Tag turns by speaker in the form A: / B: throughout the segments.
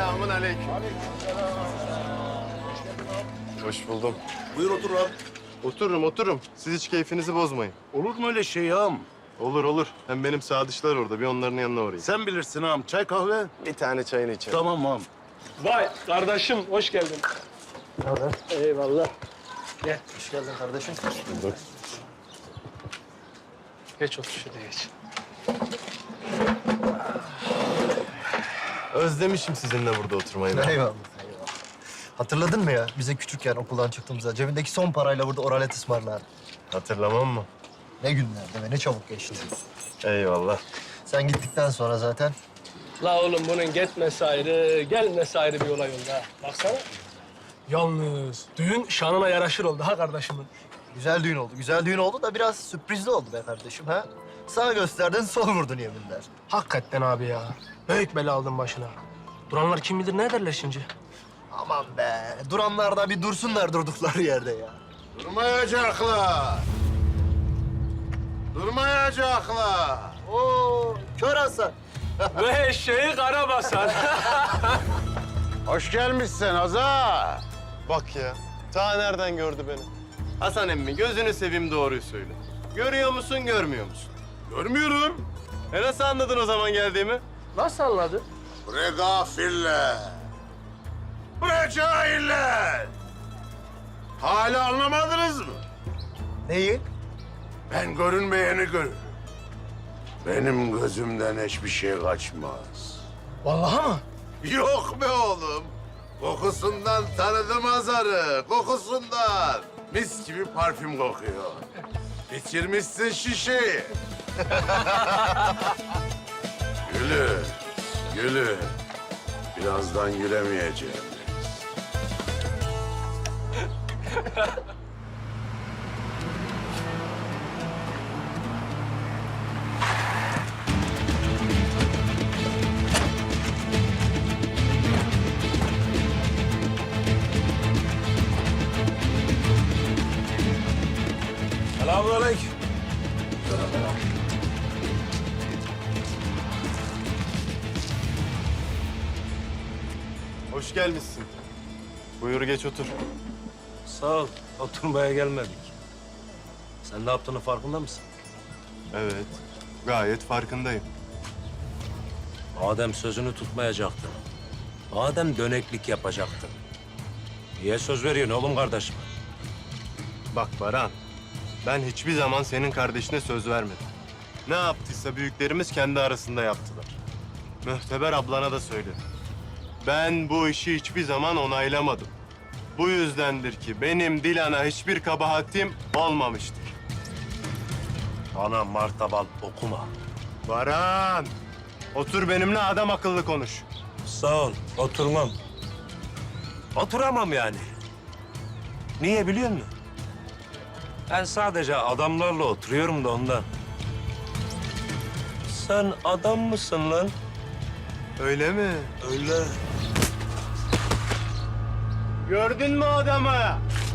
A: Selamun aleyküm. Hoş buldum.
B: Buyur otur abi.
A: Otururum. Siz hiç keyfinizi bozmayın.
B: Olur mu öyle şey ağam?
A: Olur. Hem benim sadıçlar orada. Bir onların yanına uğrayayım.
B: Sen bilirsin ağam. Çay kahve.
A: Bir tane çayını içelim.
B: Tamam ağam.
C: Vay kardeşim hoş geldin. Eyvallah. Gel.
D: Hoş geldin kardeşim.
C: Geç otur şuraya geç.
A: Özlemişim sizinle burada oturmayı. ben.
D: Eyvallah. Hatırladın mı ya? Bize küçükken okuldan çıktığımızda cebindeki son parayla burada oralet ısmarlardı.
A: Hatırlamam mı?
D: Ne günlerdi ve ne çabuk geçti.
A: Eyvallah.
D: Sen gittikten sonra zaten
C: La oğlum bunun gitmesi ayrı, gelmesi ayrı bir olay oldu ha. Baksana. Yalnız düğün şanına yaraşır oldu ha kardeşimin.
D: güzel düğün oldu. Güzel düğün oldu da biraz sürprizli oldu be kardeşim ha. Sağ gösterdin, sol vurdun yeminler.
C: Hakikaten abi ya. Büyük bela aldın başına. Duranlar kim bilir ne derler şimdi?
D: Aman be, duranlar da bir dursunlar durdukları yerde ya.
B: Durmayacaklar. Durmayacaklar.
D: Oo, kör Hasan.
C: Ve eşeği kara basar.
B: Hoş gelmişsin Azar.
A: Bak ya. Ta nereden gördü beni? Hasan emmi gözünü seveyim doğruyu söyle. Görüyor musun, görmüyor musun?
B: Görmüyorum.
A: Nasıl anladın o zaman geldiğimi?
C: Nasıl anladın?
B: Bre gafiller. Bre cahiller. Hala anlamadınız mı?
D: Neyi?
B: Ben görünmeyeni görürüm. Benim gözümden hiçbir şey kaçmaz.
C: Vallahi mı?
B: Yok be oğlum. Kokusundan tanıdım Azar'ı, kokusundan. Mis gibi parfüm kokuyor. Bitirmişsin şişeyi. Gülü. Birazdan gülemeyeceğim.
C: Selamünaleyküm.
A: Hoş gelmişsin. Buyur geç otur.
E: Sağ ol. Oturmaya gelmedik. Sen ne yaptığını farkında mısın?
A: Evet. Gayet farkındayım.
E: Madem sözünü tutmayacaktın. Madem döneklik yapacaktın. Niye söz veriyorsun oğlum kardeşim?
A: Bak Baran, ben hiçbir zaman senin kardeşine söz vermedim. Ne yaptıysa büyüklerimiz kendi arasında yaptılar. Mühteber ablana da söyledim. Ben bu işi hiçbir zaman onaylamadım. Bu yüzdendir ki benim Dilan'a hiçbir kabahatim olmamıştır.
E: Bana martabal okuma.
A: Baran, otur benimle adam akıllı konuş.
E: Sağ ol. Oturmam. Oturamam yani. Niye biliyor musun? Ben sadece adamlarla oturuyorum da ondan. Sen adam mısın lan?
A: Öyle mi?
E: Öyle.
A: Gördün mü adamı?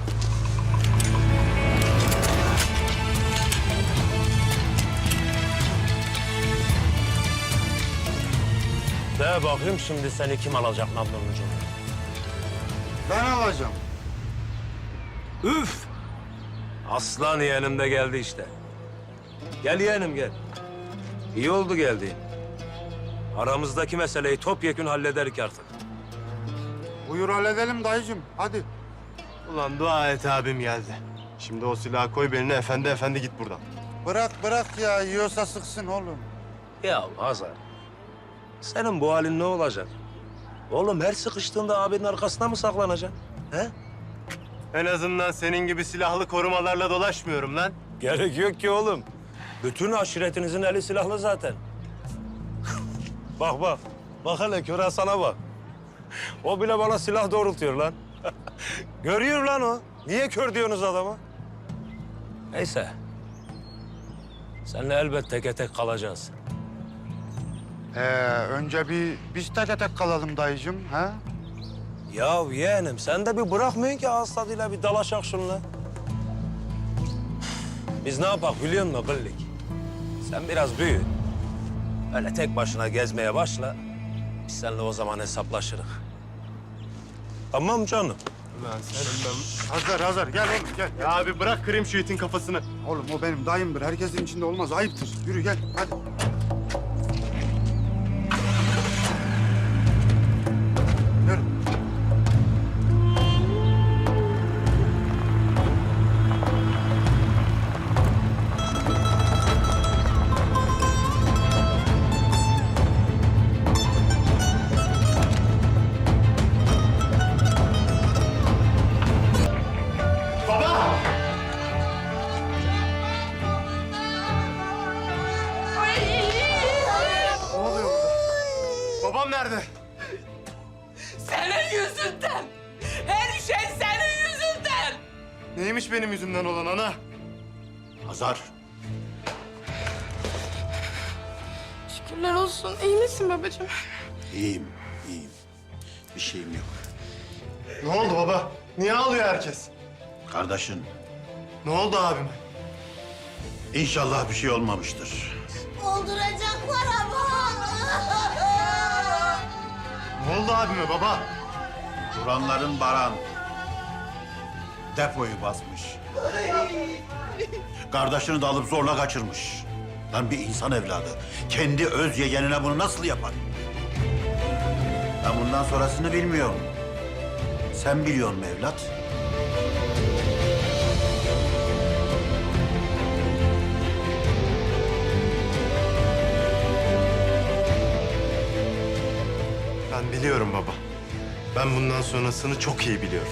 E: De bakayım şimdi seni kim alacak namlunun ucunu?
B: Ben alacağım.
E: Üf! Aslan yeğenim de geldi işte. Gel yeğenim gel. İyi oldu geldiğin. Aramızdaki meseleyi topyekün hallederik artık.
B: Buyur halledelim dayıcığım. Hadi.
A: Ulan dua et abim geldi. Şimdi o silahı koy beline efendi git buradan.
B: Bırak ya. Yiyorsa sıksın oğlum.
E: Ya Hazar, senin bu halin ne olacak? Oğlum her sıkıştığında abinin arkasına mı saklanacaksın? He?
A: En azından senin gibi silahlı korumalarla dolaşmıyorum lan.
E: Gerek yok ki oğlum. Bütün aşiretinizin eli silahlı zaten. Bak. Bak hele kör Hasan'a bak. O bile bana silah doğrultuyor lan. Görüyor lan o. Niye kör diyorsunuz adama? Neyse. Seninle elbet teke tek kalacağız.
F: Önce biz tek tek kalalım dayıcığım, ha?
E: Ya yeğenim sen de bir bırakmıyorsun ki ağız tadıyla bir dalaşak şunla. Biz ne yapak biliyor musun Gıllik? Sen biraz büyü. Öyle tek başına gezmeye başla. Biz seninle o zaman hesaplaşırız. Tamam canım.
A: Lan senin ben...
B: Hazır gel oğlum gel.
A: Ya abi bırak kırayım şu itin kafasını.
B: Oğlum o benim dayımdır. Herkesin içinde olmaz. Ayıptır. Yürü gel hadi. Yürü.
A: Baba! Ne oluyor burada? Babam nerede?
G: Senin yüzünden. Her şey senin yüzünden.
A: Neymiş benim yüzümden olan ana?
B: Hazar.
G: Şükürler olsun. İyi misin babacığım?
B: İyiyim. Bir şeyim yok.
A: Ne oldu baba? Niye ağlıyor herkes?
B: Kardeşin,
A: Ne oldu abime?
B: inşallah bir şey olmamıştır.
H: Öldürecekler ama.
A: Ne oldu abime baba?
B: Duranların Baran depoyu basmış. Kardeşini de alıp zorla kaçırmış. Lan bir insan evladı kendi öz yeğenine bunu nasıl yapar? Ben bundan sonrasını bilmiyorum. Sen biliyor musun evlat?
A: Ben biliyorum baba. Ben bundan sonrasını çok iyi biliyorum.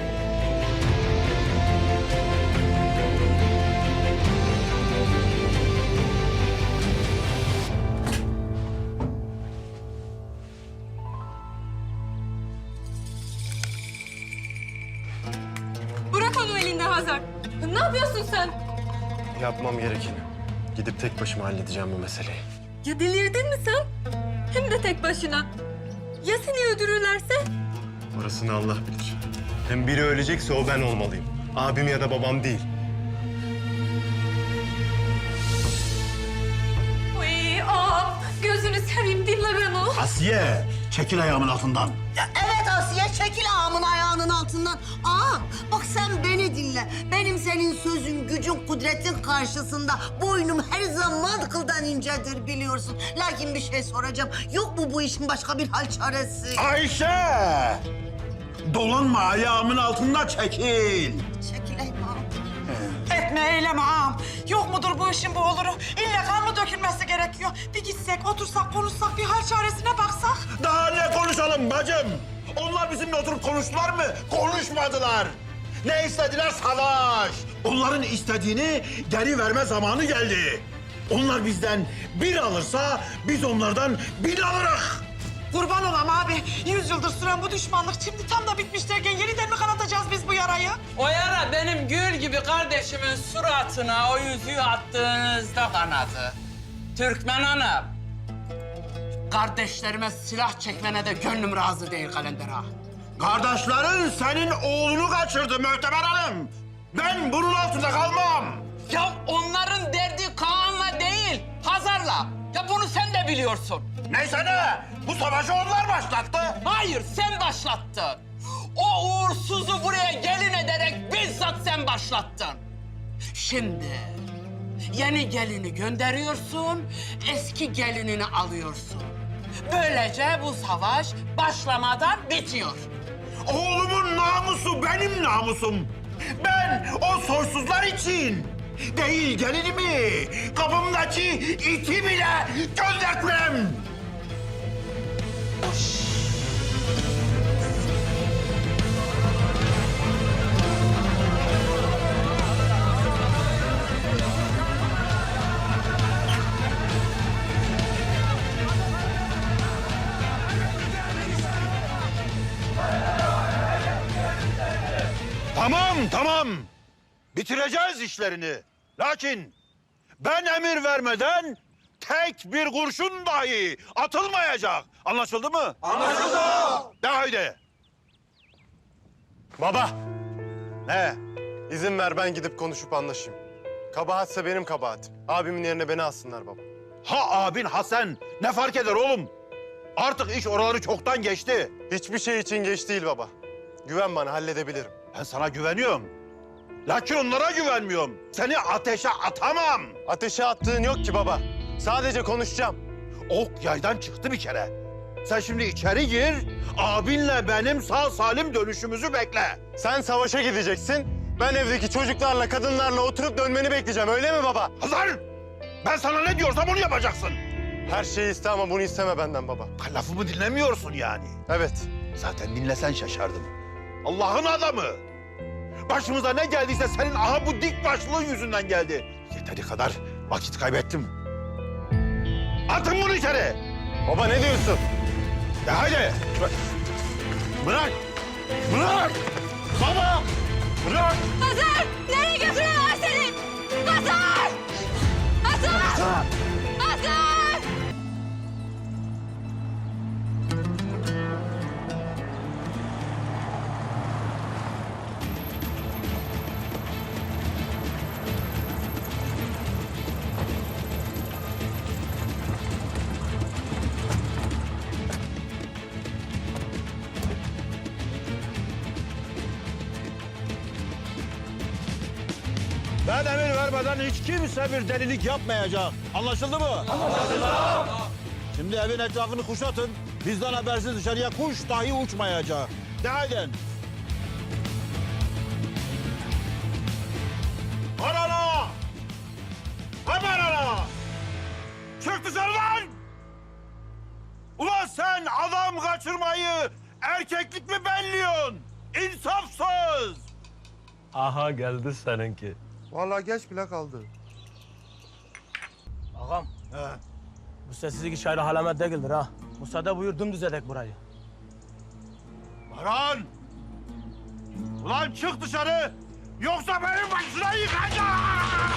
G: Bırak onu elinden Hazar. Ne yapıyorsun sen?
A: Yapmam gerekeni. Gidip tek başıma halledeceğim bu meseleyi.
G: Ya delirdin mi sen? Hem de tek başına. Ya seni öldürürlerse?
A: Orasını Allah bilir. Hem biri ölecekse o ben olmalıyım. Abim ya da babam değil.
G: Uy, gözünü seveyim dinle beni.
B: Asiye, çekil ayağımın altından.
H: Ya evet Asiye, çekil ağamın ayağının altından. Ağam, bak sen beni dinle. Benim senin sözün, gücün, kudretin karşısında boynum her zaman kıldan incedir biliyorsun. Lakin bir şey soracağım. Yok mu bu işin başka bir hal çaresi?
B: Ayşe! Dolanma ayağımın altında çekil.
H: Çekileyim ağam.
I: Etme eyleme ağam. Yok mudur bu işin bu oluru? İlle kan mı dökülmesi gerekiyor? Bir gitsek, otursak, konuşsak, bir hal çaresine baksak.
B: Daha ne konuşalım bacım? Onlar bizimle oturup konuştular mı? Konuşmadılar. Ne istediler? Savaş. Onların istediğini geri verme zamanı geldi. Onlar bizden bir alırsa biz onlardan 1000 alırız.
I: Kurban olam abi. 100 yıldır süren bu düşmanlık şimdi tam da bitmiş derken yeniden mi kanatacağız biz bu yarayı?
J: O yara benim gül gibi kardeşimin suratına o yüzüğü attığınızda kanadı. Türkmen Hanım, kardeşlerime silah çekmene de gönlüm razı değil Kalender ağa.
B: Kardeşlerin senin oğlunu kaçırdı Möhteber Hanım. Ben bunun altında kalmam.
J: Ya onların derdi Kaan'la değil, Hazar'la. Ya bunu sen de biliyorsun.
B: Neyse ne? Bu savaşı onlar başlattı.
J: Hayır, sen başlattın. O uğursuzu buraya gelin ederek bizzat sen başlattın. Şimdi yeni gelini gönderiyorsun, eski gelinini alıyorsun. Böylece bu savaş başlamadan bitiyor.
B: Oğlumun namusu benim namusum. Ben o soysuzlar için değil gelinimi, kapımdaki iti bile göndertmem. Tamam. Bitireceğiz işlerini. Lakin ben emir vermeden tek bir kurşun dahi atılmayacak. Anlaşıldı mı? Anlaşıldı. De haydi.
A: Baba,
B: Ne?
A: izin ver ben gidip konuşup anlaşayım. Kabahatse benim kabahatim. Abimin yerine beni alsınlar baba.
B: Ha abin ha sen. Ne fark eder oğlum? Artık iş oraları çoktan geçti.
A: Hiçbir şey için geç değil baba. Güven bana, halledebilirim.
B: Ben sana güveniyorum. Lakin onlara güvenmiyorum. Seni ateşe atamam.
A: Ateşe attığın yok ki baba. Sadece konuşacağım.
B: Ok yaydan çıktı bir kere. Sen şimdi içeri gir, abinle benim sağ salim dönüşümüzü bekle.
A: Sen savaşa gideceksin. Ben evdeki çocuklarla, kadınlarla oturup dönmeni bekleyeceğim. Öyle mi baba?
B: Hazar! Ben sana ne diyorsam onu yapacaksın.
A: Her şeyi iste ama bunu isteme benden baba.
B: Lafımı dinlemiyorsun yani.
A: Evet.
B: Zaten dinlesen şaşardım. Allah'ın adamı. Başımıza ne geldiyse senin aha bu dik başlığın yüzünden geldi. Yeteri kadar vakit kaybettim. Atın bunu içeri.
A: Baba ne diyorsun?
B: Ya haydi. Bırak. Bırak. Baba. Bırak.
G: Hazar! Nereye götürüyorlar seni? Hazar! Hazar! Hazar!
B: Ben emir vermeden hiç kimse bir delilik yapmayacak. Anlaşıldı mı? Anlaşıldı. Şimdi evin etrafını kuşatın. Bizden habersiz dışarıya kuş dahi uçmayacak. De haydi. Arana! Hemen arana! Çık dışarı lan! Ulan sen adam kaçırmayı erkeklik mi belliyorsun? İnsafsız!
E: Aha geldi seninki.
F: Vallahi geç bile kaldı.
C: Ağam, bu sessizlik hiç ayrı halamet değildir ha. Müsaade buyur dümdüz edek burayı.
B: Baran! Ulan çık dışarı! Yoksa benim başına yıkacağım!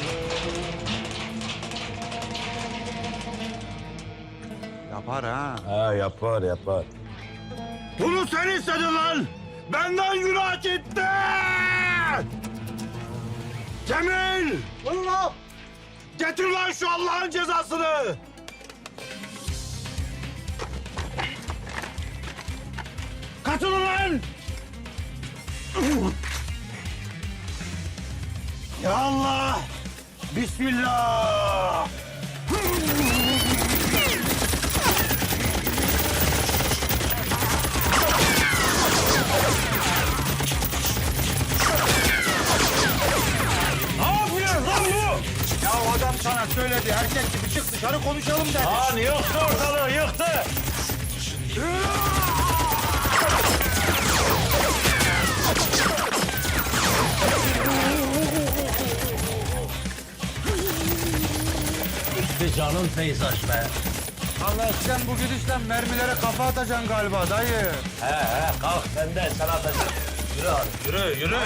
F: Yapar ha.
E: Ha yapar yapar.
B: Bunu sen istedin lan! Benden günah gitti! Cemil! Buyurun lan! Getir lan şu Allah'ın cezasını! Katılın lan! Ya Allah! Bismillah! Ya adam sana söyledi, erkek gibi çık dışarı konuşalım dedi. Lan yıktı ortalığı, yıktı.
E: İşte canım peyzaj be.
F: Allah sen bu gidişle mermilere kafa atacaksın galiba dayı.
E: He kalk benden sana atacağım. Yürü abi yürü.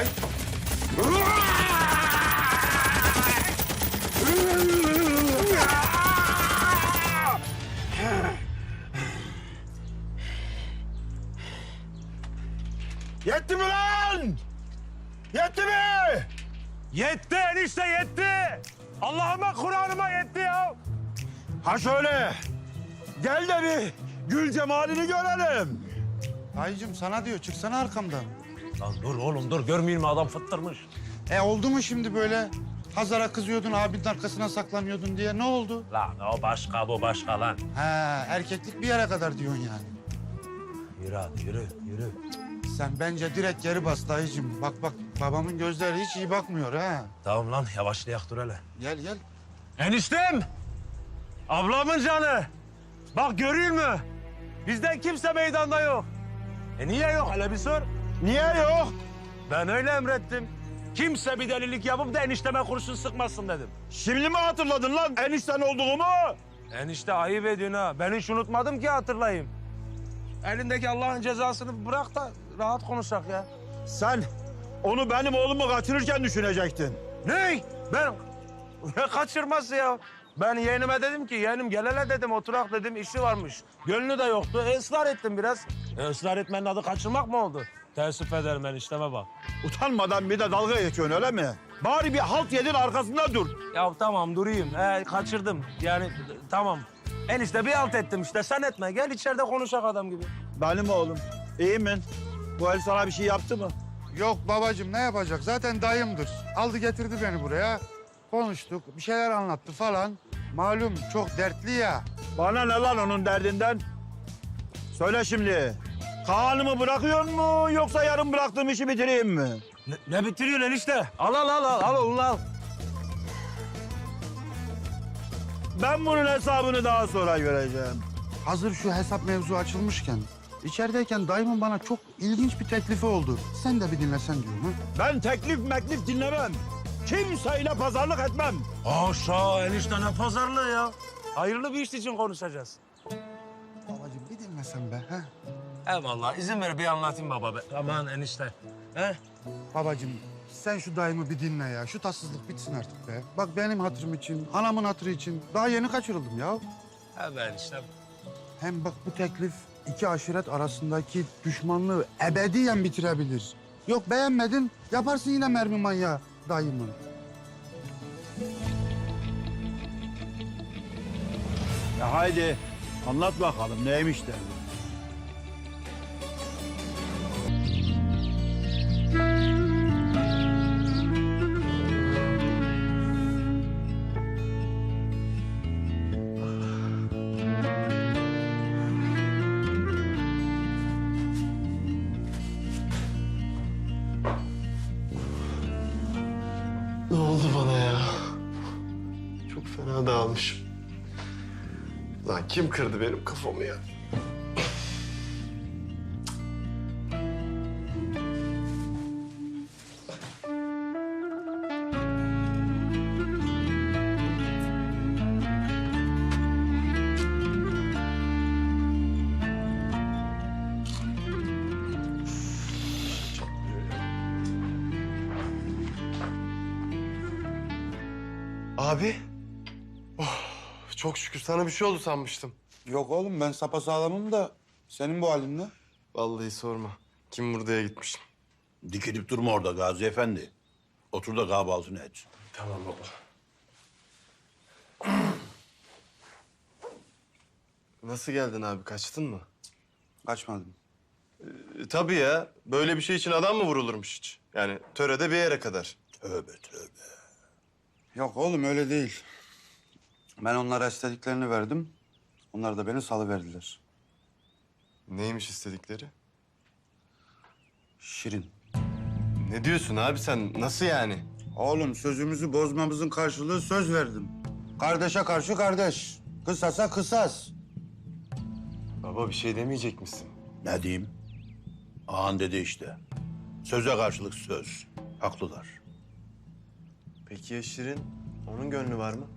B: Yetti mi lan? Yetti mi?
E: Yetti enişte yetti. Allah'ıma Kur'an'ıma yetti ya.
B: Ha şöyle. Gel de bir gül cemalini görelim.
F: Dayıcım sana diyor çıksana arkamdan.
E: Lan dur oğlum dur görmeyeyim mi adam fıttırmış.
F: Oldu mu şimdi böyle? Hazar'a kızıyordun, abinin arkasına saklanıyordun diye. Ne oldu?
E: Lan o başka bu başka lan.
F: Ha, erkeklik bir yere kadar diyorsun yani.
E: Yürü hadi yürü.
F: Sen bence direkt geri bas dayıcım. Bak babamın gözleri hiç iyi bakmıyor ha.
E: Tamam lan yavaşlayak dur hele.
F: Gel.
E: Eniştem! Ablamın canı! Bak görüyor musun? Bizden kimse meydanda yok. Niye yok hele bir sor.
B: Niye yok?
E: Ben öyle emrettim. Kimse bir delilik yapıp da enişteme kurşun sıkmasın dedim.
B: Şimdi mi hatırladın lan enişten olduğumu?
E: Enişte ayıp ediyorsun ha. Ben hiç unutmadım ki hatırlayayım. Elindeki Allah'ın cezasını bırak da rahat konuşak ya.
B: Sen onu benim oğlumu kaçırırken düşünecektin.
E: Ne? Ben ne kaçırması ya? Ben yeğenime dedim ki yeğenim gel hele dedim oturak dedim işi varmış. Gönlü de yoktu. Israr ettim biraz. Israr etmenin adı kaçırmak mı oldu? Teessüf ederim enişteme bak.
B: Utanmadan bir de dalga geçiyorsun öyle mi? Bari bir halt yedin arkasında dur.
E: Ya tamam durayım. Kaçırdım. Yani tamam. Enişte bir alt ettim işte sen etme. Gel içeride konuşak adam gibi.
B: Benim oğlum. İyi mi? Bu el sana bir şey yaptı mı?
F: Yok babacığım ne yapacak? Zaten dayımdır. Aldı getirdi beni buraya. Konuştuk, bir şeyler anlattı falan. Malum çok dertli ya.
B: Bana ne lan onun derdinden? Söyle şimdi. Kaan'ımı bırakıyor mu yoksa yarım bıraktığım işi bitireyim mi?
E: Ne bitiriyorsun enişte? Al oğlum al.
B: Ben bunun hesabını daha sonra göreceğim.
F: Hazır şu hesap mevzu açılmışken, içerideyken dayımın bana çok ilginç bir teklifi oldu. Sen de bir dinlesen diyorum ha.
B: Ben teklif meklif dinlemem. Kimseyle pazarlık etmem.
E: Haşa enişte ne pazarlığı ya. Hayırlı bir iş için konuşacağız.
F: Babacığım bir dinlesen be ha.
E: Eyvallah izin ver bir anlatayım baba be. Aman enişte. He?
F: Babacığım sen şu dayımı bir dinle ya. Şu tatsızlık bitsin artık be. Bak benim hatırım için, anamın hatırı için daha yeni kaçırıldım ya.
E: He be enişte.
F: Hem bak bu teklif iki aşiret arasındaki düşmanlığı ebediyen bitirebilir. Yok beğenmedin, yaparsın yine mermi manyağı dayımı.
B: Ya haydi anlat bakalım neymiş derdi.
A: Ne oldu bana ya? Çok fena dağılmışım. Lan kim kırdı benim kafamı ya? Abi. Oh, çok şükür sana bir şey oldu sanmıştım.
F: Yok oğlum ben sapasağlamım da senin bu halinle.
A: Vallahi sorma. Kim buraya gitmişim.
K: Dikilip durma orada Gazi Efendi. Otur da kahvaltını et.
A: Tamam baba. Nasıl geldin abi? Kaçtın mı?
F: Kaçmadım.
A: Tabii ya. Böyle bir şey için adam mı vurulurmuş hiç? Yani törede bir yere kadar.
K: Tövbe tövbe.
F: Yok oğlum öyle değil. Ben onlara istediklerini verdim. Onlar da beni salıverdiler.
A: Neymiş istedikleri?
F: Şirin.
A: Ne diyorsun abi sen? Nasıl yani?
F: Oğlum sözümüzü bozmamızın karşılığı söz verdim. Kardeşe karşı kardeş. Kısasa kısas.
A: Baba bir şey demeyecek misin?
K: Ne diyeyim? Ağan dedi işte. Söze karşılık söz. Haklılar.
A: Peki ya Şirin? Onun gönlü var mı?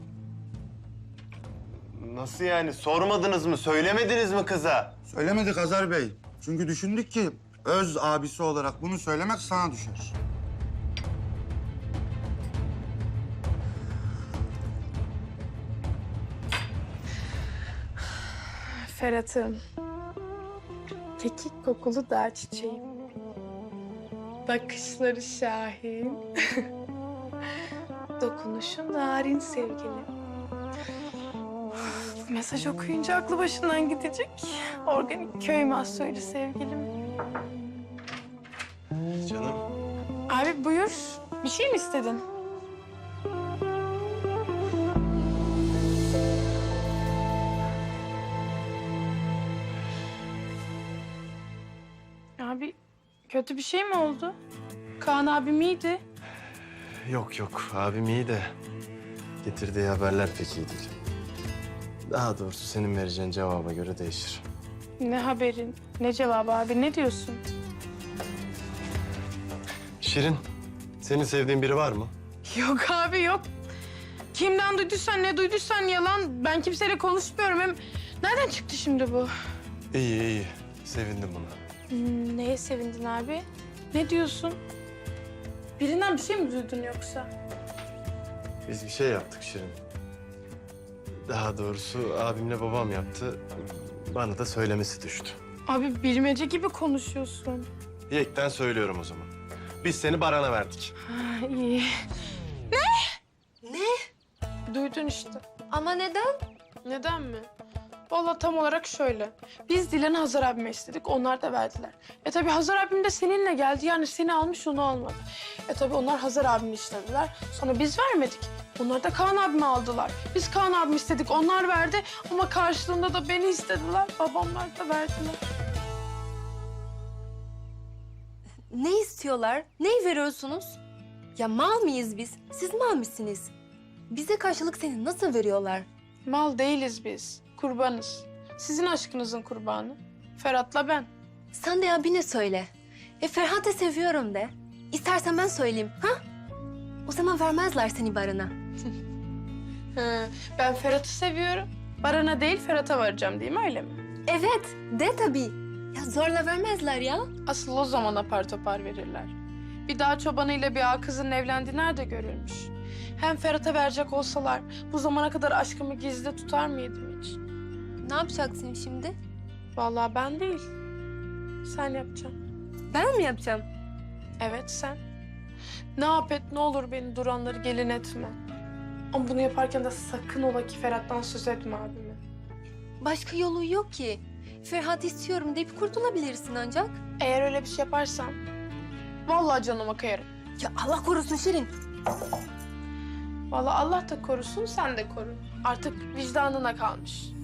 A: Nasıl yani? Sormadınız mı? Söylemediniz mi kıza?
F: Söylemedik Hazar Bey. Çünkü düşündük ki öz abisi olarak bunu söylemek sana düşer.
L: Ferhat'ım. Kekik kokulu dağ çiçeğim. Bakışları şahin. Dokunuşu narin sevgilim. Mesaj okuyunca aklı başından gidecek. Organik köy mahsulü sevgilim.
A: Canım.
L: Abi buyur. Bir şey mi istedin? Abi kötü bir şey mi oldu? Kaan abim iyiydi.
A: Yok yok. Abim iyi de getirdiği haberler pek iyi değil. Daha doğrusu senin vereceğin cevaba göre değişir.
L: Ne haberin, ne cevabı abi, ne diyorsun?
A: Şirin, senin sevdiğin biri var mı?
L: Yok abi yok. Kimden duyduysan, ne duyduysan yalan. Ben kimseyle konuşmuyorum. Hem nereden çıktı şimdi bu?
A: İyi iyi. Sevindim buna.
L: Neye sevindin abi? Ne diyorsun? Birinden bir şey mi duydun yoksa?
A: Biz bir şey yaptık Şirin. Daha doğrusu abimle babam yaptı. Bana da söylemesi düştü.
L: Abi bilmece gibi konuşuyorsun.
A: Yekten söylüyorum o zaman. Biz seni Baran'a verdik.
L: Ha, iyi.
H: Ne?
L: Duydun işte.
G: Ama neden?
L: Neden mi? Vallahi tam olarak şöyle. Biz Dilan'ı Hazar abime istedik, onlar da verdiler. Tabii Hazar abim de seninle geldi, yani seni almış, onu almadı. Tabii onlar Hazar abimi istediler, sonra biz vermedik. Onlar da Kaan abimi aldılar. Biz Kaan abimi istedik, onlar verdi. Ama karşılığında da beni istediler, babamlar da verdiler.
G: Ne istiyorlar? Neyi veriyorsunuz? Ya mal mıyız biz? Siz mal mısınız? Bize karşılık seni nasıl veriyorlar?
L: Mal değiliz biz, kurbanız. Sizin aşkınızın kurbanı. Ferhat'la ben.
G: Sen de abine söyle. Ferhat'ı seviyorum de. İstersen ben söyleyeyim, ha? O zaman vermezler seni Baran'a.
L: Ben Ferhat'ı seviyorum. Baran'a değil, Ferhat'a varacağım değil mi, öyle mi?
G: Evet, de tabii. Ya zorla vermezler ya.
L: Asıl o zaman apar topar verirler. Bir dağ çobanıyla bir ağa kızının evlendiği nerede görülmüş? Hem Ferhat'a verecek olsalar bu zamana kadar aşkımı gizli tutar mıydım hiç?
G: Ne yapacaksın şimdi?
L: Vallahi ben değil. Sen yapacaksın.
G: Ben mi yapacağım?
L: Evet sen. Ne yap et ne olur beni duranları gelin etme. Ama bunu yaparken de sakın ola ki Ferhat'tan söz etme abime.
G: Başka yolu yok ki. Ferhat istiyorum deyip kurtulabilirsin ancak.
L: Eğer öyle bir şey yaparsan vallahi canıma kayarım.
G: Ya Allah korusun Şirin.
L: Vallahi Allah da korusun, sen de koru. Artık vicdanına kalmış.